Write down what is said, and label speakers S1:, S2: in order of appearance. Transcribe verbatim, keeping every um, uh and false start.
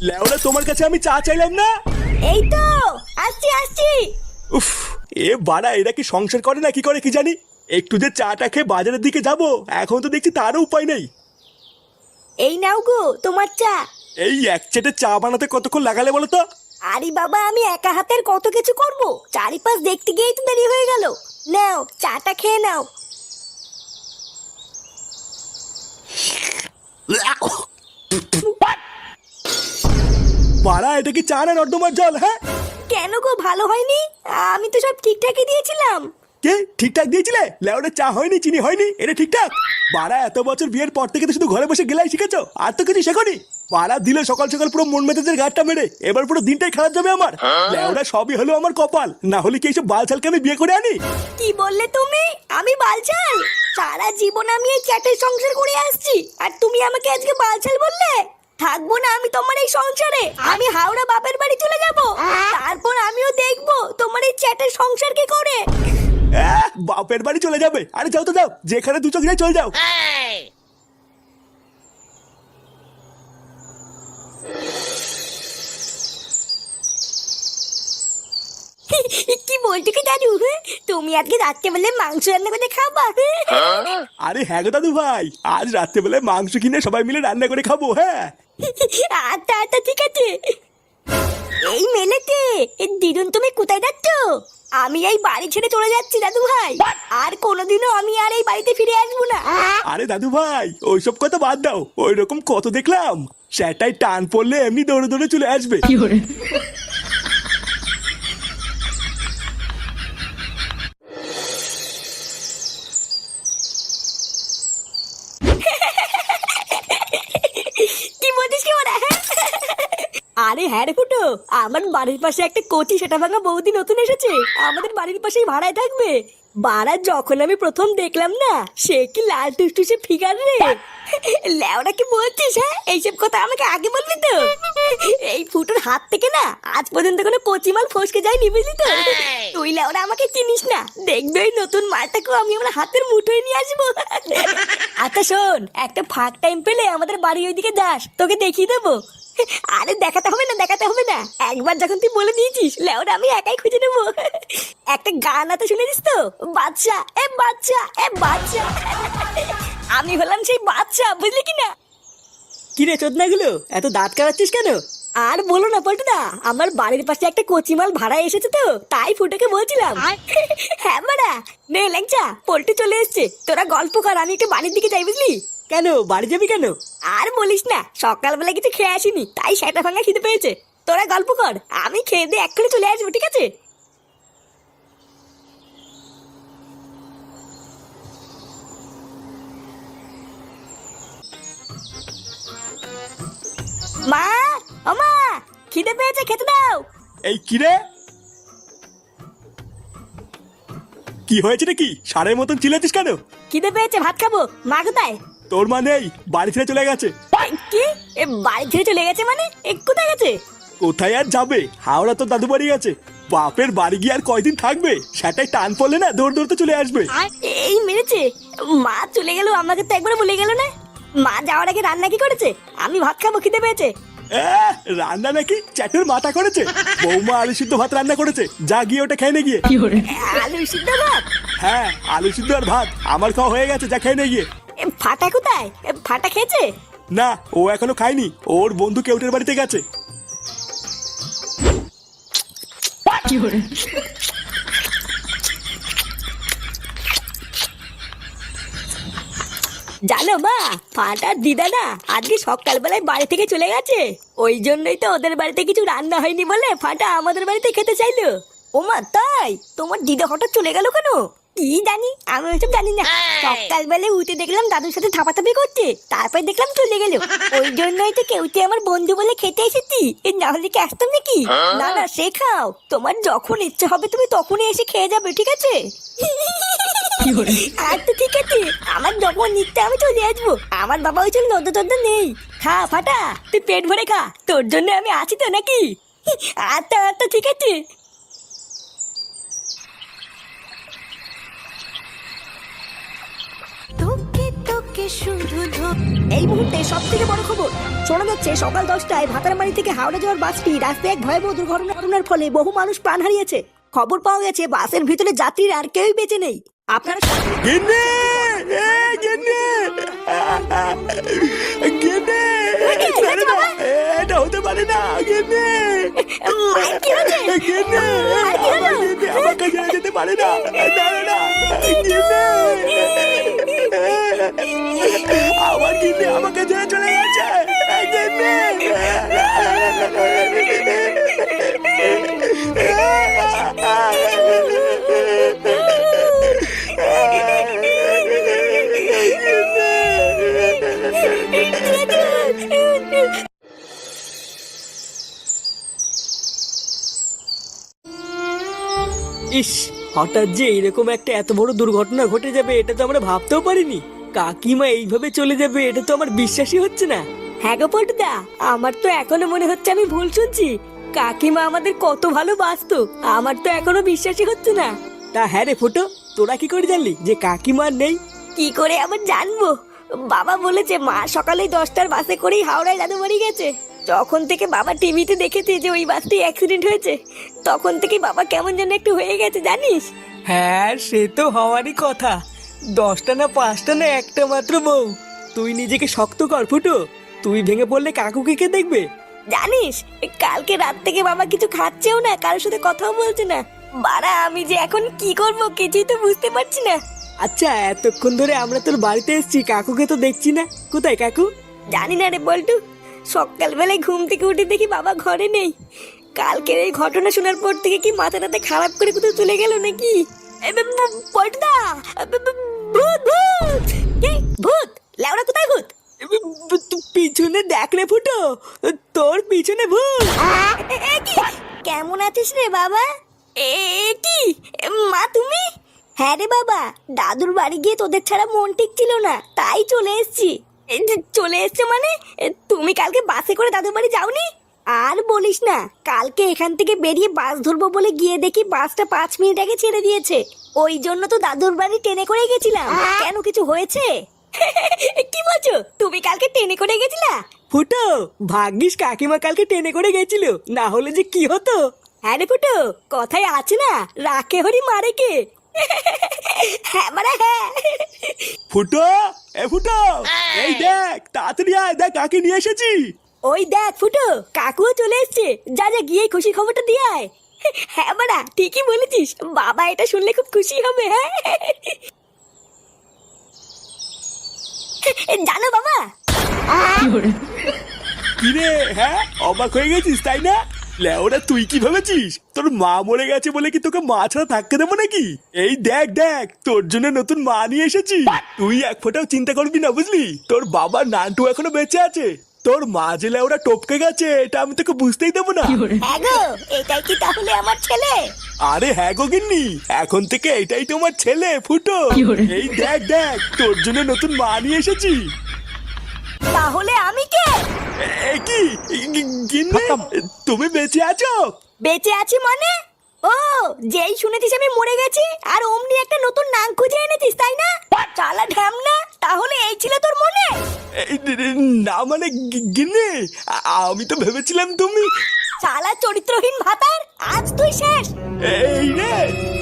S1: লেওরা তোমার কাছে আমি চা চাইলাম না।
S2: এই তো আসছি আসছি।
S1: উফ, এ বাড়া এরা কি সংসার করে না কি করে কি জানি। একটু যে চাটা খেয়ে বাজারের দিকে যাব, এখন তো দেখছি তারও উপায় নেই।
S2: এই নাও গো তোমার চা।
S1: এই এক চেটে চা বানাতে কতক্ষণ লাগালে বলো তো?
S2: আরে বাবা, আমি একা হাতের কত কিছু করব, চারিপাশ দেখতে গিয়েই তো দেরি হয়ে গেল। নাও চাটা খেয়ে নাও।
S1: বাড়া এটা কি চা না নর্দমার জল? হ্যাঁ
S2: কেন গো, ভালো হয়নি? আমি তো সব ঠিকঠাকই দিয়েছিলাম।
S1: কে ঠিকঠাক দিয়েছিলে? লেওরা চা হয়নি, চিনি হয়নি, এটা ঠিকঠাক? বাড়া এত বছর বিয়ের পর থেকে তো শুধু ঘরে বসে গেলাই শিখেছো, আর তো কিছু শেখনি। বাড়া দিলে সকাল সকাল পুরো মন মেজাজের গাঁটটা মেরে, এবার পুরো দিনটাই খারাপ যাবে আমার। লেওরা সবই হলো আমার কপাল, না হলে কি এইসব বালছালকে আমি বিয়ে করে আনি?
S2: কি বললে তুমি? আমি বালছাল? সারা জীবন আমি এই চ্যাটের সংসার করে আসছি, আর তুমি আমাকে আজকে বালছাল বললে? থাকবো না আমি তোমার এই সংসারে। আমি হাওড়া বাপের বাড়ি চলে যাব, তারপর আমিও দেখবো তোমার এই চ্যাটের সংসার কি করে।
S1: আহ, বাপের বাড়ি চলে যাবে? আরে যাও তো যাও, যেখানে দু চোখ যায় চলে যাও।
S2: কি বলছো কি দাদু? তুমি আজকে রাত্রেবেলা মাংস রান্না করে খাবা?
S1: আরে হ্যাঁ গো দাদু ভাই, আজ রাত্রেবেলায় মাংস কিনে সবাই মিলে রান্না করে খাবো। হ্যাঁ
S2: আচ্ছা আচ্ছা ঠিক আছে। এই মেলেতে দিদুন, তুমি কোথায় যাচ্ছ? আমি এই বাড়ি ছেড়ে চলে যাচ্ছি দাদু ভাই, আর কোনোদিনও আমি আর এই বাড়িতে ফিরে আসবো না।
S1: আরে দাদু ভাই ওইসব কথা বাদ দাও, ওই রকম কত দেখলাম। সেটাই টান পড়লে এমনি দৌড়ে দৌড়ে চলে আসবে।
S2: কি বলছিস কি ওরা? আরে হ্যাঁ রে ফুটো, আমার বাড়ির পাশে একটা কোচি সেটা ভাঙা বৌদি নতুন এসেছে, আমাদের বাড়ির পাশেই ভাড়ায় থাকবে। বাড়া যখন আমি প্রথম দেখলাম না, সে কি লাল টুসটুসে ফিগার রে। ল্যাওড়া কি বলছিস? হ্যাঁ এইসব কথা আমাকে আগে বলবি তো। এই ফুটোর হাত থেকে না আজ পর্যন্ত কোনো কচি মাল ফসকে যায়নি, বুঝলি তো? তুই ল্যাওড়া আমাকে চিনিস না, দেখবে ওই নতুন মালটাকেও আমি আমার হাতের মুঠোয় নিয়ে আসবো। আচ্ছা শোন, একটা ফাঁক টাইম পেলে আমাদের বাড়ি ওইদিকে যাস, তোকে দেখিয়ে দেবো। আরে দেখাতে হবে না, দেখাতে হবে না, একবার যখন তুই বলে দিয়েছিস লেওরা আমি একাই খুঁজে নেবো। একটা গান আছে শুনেছিস তো? বাচ্চা এ বাচ্চা এ বাচ্চা। আমি হলাম সেই বাচ্চা, বুঝলি কি না?
S3: কি রে চোদনা গুলো, এত দাঁত কাটাচ্ছিস কেন?
S2: আর বলো না পল্টুদা, আমার বাড়ির পাশে একটা কচিমাল ভাড়া এসেছে তো, তাই ফুটোকে বলছিলাম। হ্যাঁ বাড়া, নে ল্যাংচা, পল্টু চলে এসছে, তোরা গল্প কর, আমি একটু বাড়ির দিকে যাই, বুঝলি?
S3: কেন বাড়ি যাবি কেন?
S2: আর বলিস না, সকালবেলা কিছু খেয়ে আসিনি, তাই সেটা ভাঙা খিদে পেয়েছে। তোরা গল্প কর, আমি খেয়ে দিয়ে এক্ষুনি চলে আসবো, ঠিক আছে? মা, ও মা, খিদে পেয়েছে, খেতে দাও।
S1: এই কি রে, কি হয়েছে নাকি? সারের মতন চিল্লাচ্ছিস কেন?
S2: খিদে পেয়েছে, ভাত খাবো। মা কোথায়?
S1: তোর মা নেই, বাড়ি ছেড়ে চলে গেছে।
S2: এ, কি? এ বাড়ি ছেড়ে চলে গেছে মানে? এ কোথায় গেছে?
S1: কোথায় আর যাবে, হাওড়া তো দাদু বাড়ি গেছে। বাপের বাড়ি গিয়ে আর কয়দিন থাকবে, সেটাই টান পড়লে না দৌড় দৌড়তে চলে আসবে।
S2: এই মেরেছে, মা চলে গেল, আমাকে তো একবার বলে গেল না। মা যাওয়ার আগে রান্না কি করেছে? আমি ভাত খাবো, খিদে পেয়েছে।
S1: আহ, রান্না নাকি চ্যাটের মাথা করেছে। বৌমা আলু সিদ্ধ ভাত রান্না করেছে, যা গিয়ে ওটা খেয়ে নে গিয়ে।
S2: আলু সিদ্ধ ভাত?
S1: হ্যাঁ আলু সিদ্ধ আর ভাত আমার খাওয়া হয়ে গেছে, যা খেয়ে নে গিয়ে।
S2: এ, ফাটা কোথায়? এ, ফাটা খেয়েছে?
S1: না ও এখনো খায়নি, ওর বন্ধু কেউটের বাড়িতে গেছে।
S2: জানো মা, ফাটার দিদা না আজকে সকালবেলায় বাড়ি থেকে চলে গেছে, ওই জন্যই তো ওদের বাড়িতে কিছু রান্না হয়নি বলে ফাটা আমাদের বাড়িতে খেতে চাইলো। ও মা তাই? তোমার দিদা হঠাৎ চলে গেল কেন? কি জানি, আমি ওইসব জানি না। সকালবেলায় উঠে দেখলাম দাদুর সাথে থাপাথাপি করছে, তারপর দেখলাম চলে গেল। ওই জন্যই তো কেউতে আমার বন্ধু বলে খেতে এসেছি, না হলে কি আসতাম নাকি? না না, সে খাও, তোমার যখন ইচ্ছে হবে তুমি তখনই এসে খেয়ে যাবে, ঠিক আছে? আচ্ছা ঠিক আছে, আমার যখন নিতে আমি চলে আসবো, আমার বাবা ওই জন্য নদ্য টদ্য নেই। খা ফাটা, তুই পেট ভরে খা, তোর জন্য আমি আছি তো নাকি? আচ্ছা আচ্ছা ঠিক আছে। তোকে তোকে এই মুহূর্তে সব থেকে বড় খবর শোনা যাচ্ছে, সকাল দশটায় ভাতারমারি থেকে হাওড়া যাওয়ার বাসটি রাস্তায় এক ভয়াবহ দুর্ঘটনার ফলে বহু মানুষ প্রাণ হারিয়েছে। খবর পাওয়া গেছে বাসের ভিতরে যাত্রীরা আর কেউই বেঁচে নেই। আপনারা
S1: গেন্নে এ গেন্নে গেন্নে ছাড়ে না, এটা হতে পারে না গেন্নে
S2: মায়ের কি হয়েছে?
S1: গেন্নে আমার গেন্নে আমাকে ছেড়ে যেতে পারে না, না না না গেন্নে আমার গেন্নে আমাকে ছেড়ে চলে গেছে গেন্নে।
S3: ইস, হঠাৎ যে এরকম একটা এত বড় দুর্ঘটনা ঘটে যাবে এটা তো আমরা ভাবতেও পারিনি। কাকিমা এইভাবে চলে যাবে এটা তো আমার বিশ্বাসই হচ্ছে না।
S2: হ্যাঁ গো পল্টুদা, আমার তো এখনো মনে হচ্ছে আমি ভুল শুনছি। কাকিমা আমাদের কত ভালোবাসতো, আমার তো এখনো বিশ্বাসই হচ্ছে না।
S3: তা হ্যাঁ রে ফুটো, তোরা কি করে জানলি যে কাকিমা আর নেই?
S2: কি করে আবার জানবো? বাবা বলেছে মা সকালে দশটার বাসে করেই হাওড়ায় দাদু বাড়ি গেছে। যখন থেকে বাবা টিভিতে দেখেছে যে ওই বাসটি অ্যাক্সিডেন্ট হয়েছে, তখন থেকে বাবা কেমন যেন একটু হয়ে গেছে জানিস।
S3: হ্যাঁ সে তো হওয়ারই কথা। দশটা না পাঁচটা না একটা মাত্র বউ। তুই নিজেকে শক্ত কর ফুটো, তুই ভেঙে পড়লে কাকুকে কে দেখবে?
S2: জানিস কালকে রাত থেকে বাবা কিছু খাচ্ছেও না, কারোর সাথে কথাও বলছে না। বাড়া আমি যে এখন কি করব কিছুই তো বুঝতে পারছি না।
S3: আচ্ছা এতক্ষণ ধরে আমরা তোর বাড়িতে এসেছি, কাকুকে তো দেখছি না, কোথায় কাকু?
S2: জানি না রে বল্টু, সকালবেলায় ঘুম থেকে উঠে দেখি বাবা ঘরে নেই। কালকের এই ঘটনা শোনার পর থেকে কি মাথাটাতে খারাপ করে কোথাও চলে গেল নাকি? এ ব- ব- পল্টুদা, ব- ব- ভূত ভূত কে ভূত? লেওড়া কোথায় ভূত?
S3: এ, ব- ব- তুই পিছনে দেখ রে ফুটো, তোর পিছনে ভূত।
S2: এ- এ কি? কেমন আছিস রে বাবা? এ এ কি এ, মা তুমি? হ্যাঁ রে বাবা, দাদুর বাড়ি গিয়ে তোদের ছাড়া মন ঠিক ছিল না, তাই চলে এসেছি। এ, যে চলে এসছো মানে এ, তুমি কালকে বাসে করে দাদুর বাড়ি যাওনি? আর বলিস না, কালকে এখান থেকে বেরিয়ে বাস ধরবো বলে গিয়ে দেখি বাসটা পাঁচ মিনিট আগে ছেড়ে দিয়েছে। ওই জন্য তো দাদুর বাড়ি ট্রেনে করে গেছিলাম। কেন কিছু হয়েছে? কি বলছো, তুমি কালকে ট্রেনে করে গেছিলা?
S3: ফুটো ভাগ্যিস কাকিমা কালকে টেনে করে গেছিল, না হলে যে কি হতো।
S2: হ্যাঁ রে ফুটো, কথায় আছে না, রাখে হরি মারে কে। হ্যাঁ মানে হ্যাঁ।
S1: ফুটো এ ফুটো এই দেখ তাড়াতাড়ি আয়, দেখ কাকে নিয়ে এসেছি।
S2: ওই দেখ ফুটো, কাকুও চলে এসছে, যা যা গিয়ে খুশি খবরটা দিয়ে আয়। হ্যাঁ বাড়া ঠিকই বলেছিস, বাবা এটা শুনলে খুব খুশি হবে। হ্যাঁ জানো বাবা,
S1: কিরে হ্যাঁ অবাক হয়ে গেছিস তাই না? লেওরা তুই কি ভেবেছিস তোর মা মরে গেছে বলে কি তোকে মা ছাড়া থাকতে দেবো নাকি? এই দেখ দেখ তোর জন্য নতুন মা নিয়ে এসেছি। তুই এক ফোঁটাও চিন্তা করবি না বুঝলি, তোর বাবা নান্টু এখনো বেঁচে আছে। তোর মা যে লেওরা টপকে গেছে এটা আমি তোকে বুঝতেই দেবো না।
S2: হ্যাঁ গো এটাই কি তাহলে আমার ছেলে?
S1: আরে হ্যাঁ গো গিন্নি, এখন থেকে এটাই তোমার ছেলে ফুটো। এই দেখ দেখ তোর জন্য নতুন মা নিয়ে এসেছি।
S2: তাহলে আমি কে?
S1: এ কি গি- গিন্নি তুমি বেঁচে আছো?
S2: বেঁচে আছি মানে? ও যেই শুনেছিস আমি মরে গেছি আর অমনি একটা নতুন নাম খুঁজে এনেছিস তাই না? চালা ঢ্যামনা, তাহলে এই ছিল তোর মনে?
S1: এই না মানে গি- গিন্নি আ- আমি তো ভেবেছিলাম তুমি
S2: চালা চরিত্রহীন ভাতার, আজ তুই শেষ।
S1: এই রে